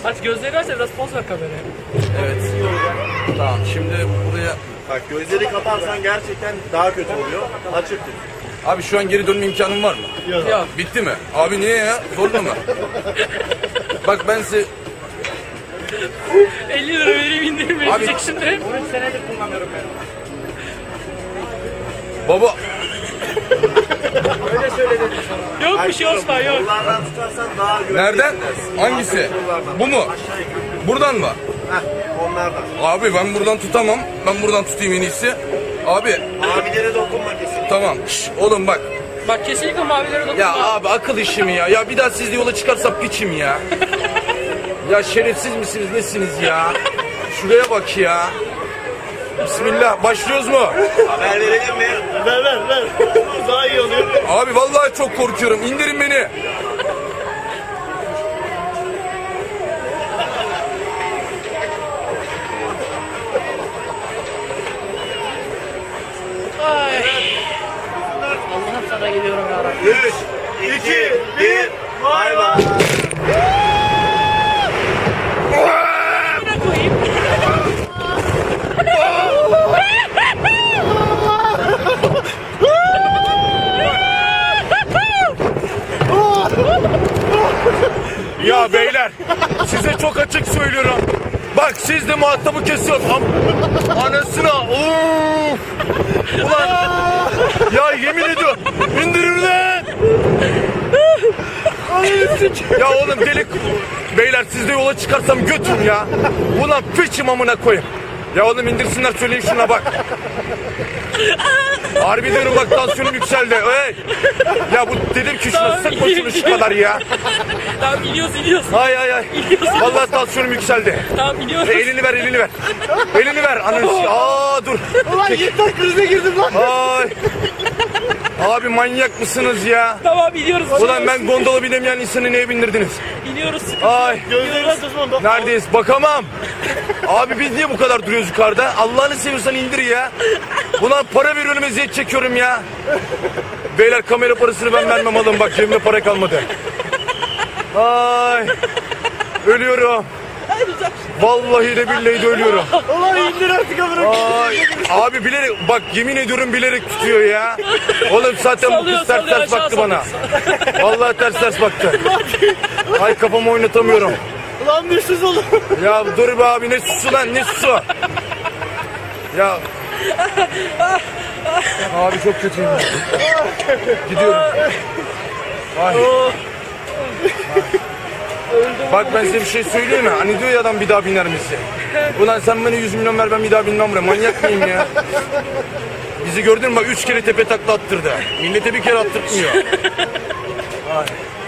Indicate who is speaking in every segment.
Speaker 1: Aç gözleri aç da biraz poz ver kameraya.
Speaker 2: Evet. Tamam şimdi buraya...
Speaker 3: Bak gözleri kaparsan gerçekten daha kötü oluyor. Açık tut.
Speaker 2: Abi şu an geri dönme imkanım var mı?
Speaker 1: Yok.
Speaker 2: Bitti mi? Abi niye ya? Zorla mı? Bak ben size...
Speaker 1: 50 lira vereyim indirim verecek şimdi.
Speaker 3: 13 senedir kullanıyorum ben.
Speaker 2: Baba...
Speaker 3: Öyle söyledim sana.
Speaker 1: Yok bir şey Osman yok.
Speaker 3: Kollardan tutarsan daha güvenli.
Speaker 2: Nereden? Hangisi? Bu mu? Buradan mı?
Speaker 3: Heh, onlardan.
Speaker 2: Abi ben buradan tutamam. Ben buradan tutayım en iyisi. Abi
Speaker 3: Abilere dokunma kesin.
Speaker 2: tamam. Şş, oğlum bak.
Speaker 1: Bak kesinlikle mavilere dokunma.
Speaker 2: Ya abi akıl işi mi ya? Ya bir daha sizle yola çıkarsam piçim ya. Ya şerefsiz misiniz nesiniz ya? Şuraya bak ya. Bismillah başlıyoruz mu?
Speaker 3: Haber verelim mi? Ver. Daha iyi oluyor.
Speaker 2: Abi vallahi çok korkuyorum. İndirin beni.
Speaker 1: Ay. Allah'ım sana geliyorum ya Rabbi.
Speaker 3: 3, 2, 1, bay bay.
Speaker 1: Ne koyayım?
Speaker 2: Ya beyler size çok açık söylüyorum. Bak siz de muhatabı kesiyorsun. Anasına. Of. Ulan. Ya yemin ediyorum. İndirir lan. Ya oğlum delik. Beyler siz de yola çıkarsam götün ya. Ulan piçim amına koyayım. Ya oğlum indirsinler söyleyin şuna bak. Harbi diyorum bak tansiyonum yükseldi. Hey. Ya bu dedim ki şuna sıkma şunu şu kadar ya.
Speaker 1: Tamam iniyoruz.
Speaker 2: Ay. Vallahi tansiyonum yükseldi.
Speaker 1: Tamam iniyoruz.
Speaker 2: Elini ver. Elini ver. Ananı. Aa dur.
Speaker 3: Ulan yeter krize girdim lan.
Speaker 2: Ay. Abi manyak mısınız ya?
Speaker 1: Tamam iniyoruz.
Speaker 2: Ulan ben gondola binemeyen insanı neye bindirdiniz?
Speaker 1: İniyoruz.
Speaker 2: Ay.
Speaker 3: Gözlerine susma.
Speaker 2: Neredeyiz? Bakamam. Abi biz niye bu kadar duruyoruz yukarıda? Allah'ını seviyorsan indir ya. Ulan para veriyorum eziyet çekiyorum ya. Beyler kamera parasını ben vermem alın bak cebimde para kalmadı. Ay. Ölüyorum. Vallahi de billahi de ölüyorum.
Speaker 3: Ulan indir artık amına.
Speaker 2: Ay. Abi bilerek bak yemin ediyorum bilerek tutuyor ya. Oğlum zaten bu kız ters baktı bana. Vallahi ters baktı. Ay kafamı oynatamıyorum.
Speaker 3: Ulan bir sus oğlum.
Speaker 2: Ya dur be abi ne susu lan ne susu. Ya. Abi çok kötüyüm. Gidiyorum. Ay. Bak ben size bir şey söyleyeyim mi? Hani diyor ya adam bir daha biner misin? Ulan sen bana 100 milyon ver ben bir daha binmem buraya. Manyak mıyım ya? Bizi gördün mü bak 3 kere tepe takla attırdı. Millete bir kere attırtmıyor. Ay.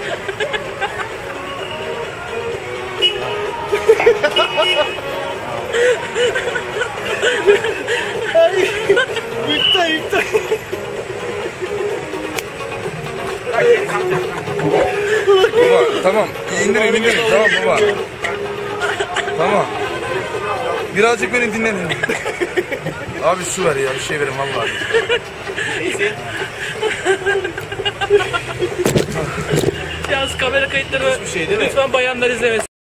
Speaker 3: Yükle.
Speaker 2: Baba tamam indirin tamam baba. Tamam. Birazcık beni dinlenin. Abi su ver ya bir şey verin vallahi.
Speaker 1: Yalnız kamera kayıtları
Speaker 3: şey değil mi?
Speaker 1: lütfen bayanlar izlemesin.